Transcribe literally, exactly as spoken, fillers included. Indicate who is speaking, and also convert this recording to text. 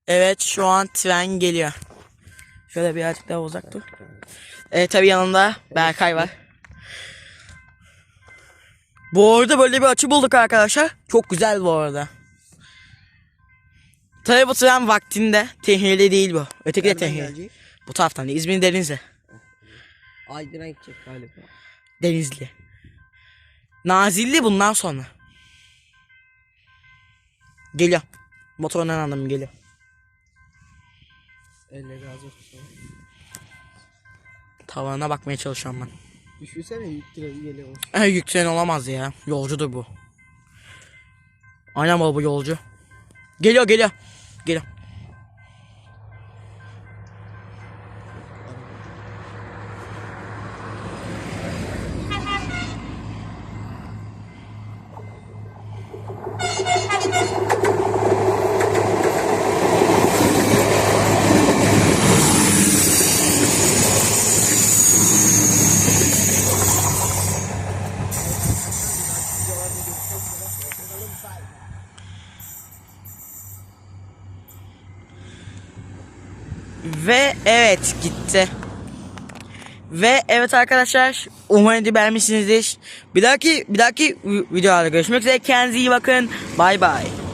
Speaker 1: Evet, şu an tren geliyor. Şöyle birazcık daha uzak dur. Evet, tabii yanında Berkay var. Bu arada böyle bir açı bulduk arkadaşlar. Çok güzel bu arada. Tabii bu tren vaktinde, tehlikeli değil bu. Öteki de
Speaker 2: Nereden
Speaker 1: tehlikeli.
Speaker 2: gelecek?
Speaker 1: Bu taraftan değil, İzmir Denizli.
Speaker 2: Aydın'a gidecek galiba.
Speaker 1: Denizli. Nazilli bundan sonra. Geliyor. Motorundan anladım, geliyor.
Speaker 2: Elle gaz olsun.
Speaker 1: Tavana bakmaya çalışıyorum ben.
Speaker 2: Düşünsene yük treni geliyor.
Speaker 1: E, yük treni olamaz ya. Yolcudur bu. Aynen bu yolcu. Geliyor geliyor. Geliyor. Ve evet, gitti. Ve evet arkadaşlar, umarım beğenmişsinizdir. Bir dahaki bir dahaki videolarda görüşmek üzere. Kendinize iyi bakın. Bay bay.